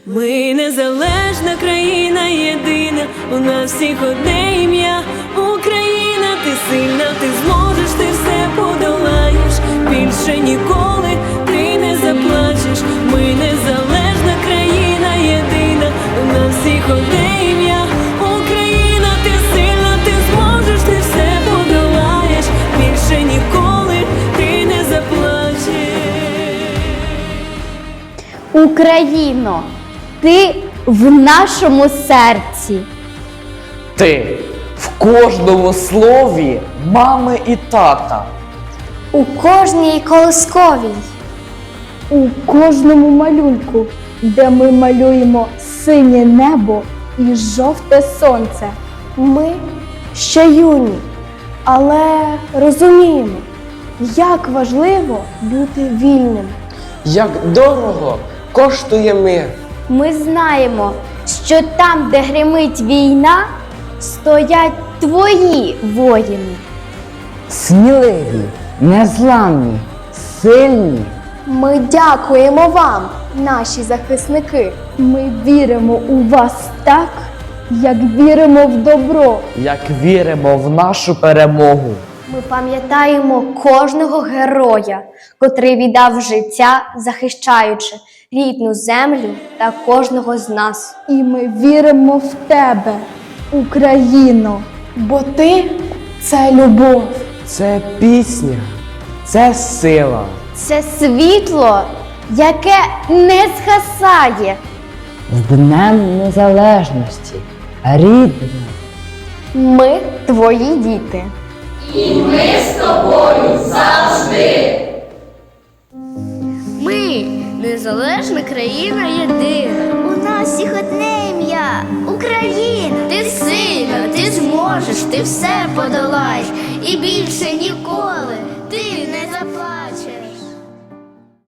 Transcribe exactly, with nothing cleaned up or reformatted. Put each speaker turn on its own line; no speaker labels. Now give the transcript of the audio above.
Ми незалежна країна єдина, у нас всіх одне ім'я Україна. Ти сильна, ти зможеш, ти все подолаєш, більше ніколи ти не заплачеш. Ми незалежна країна єдина, у нас всіх одне ім'я Україна. Ти сильна, ти зможеш, ти все подолаєш, більше ніколи ти не заплачеш.
Україно, ти в нашому серці.
Ти в кожному слові мами і тата.
У кожній колисковій.
У кожному малюнку, де ми малюємо синє небо і жовте сонце. Ми ще юні, але розуміємо, як важливо бути вільним.
Як дорого коштує мир.
Ми знаємо, що там, де гримить війна, стоять твої воїни.
Сміливі, незламні, сильні.
Ми дякуємо вам, наші захисники. Ми віримо у вас так, як віримо в добро.
Як віримо в нашу перемогу.
Ми пам'ятаємо кожного героя, котрий віддав життя, захищаючи рідну землю та кожного з нас.
І ми віримо в тебе, Україно, бо ти – це любов.
Це пісня, це сила.
Це світло, яке не згасає.
З Днем Незалежності, рідна.
Ми твої діти.
Ми незалежна країна єдина. У нас всіх одне ім'я Україна. Ти сильна, ти зможеш, ти все подолаєш і більше ніколи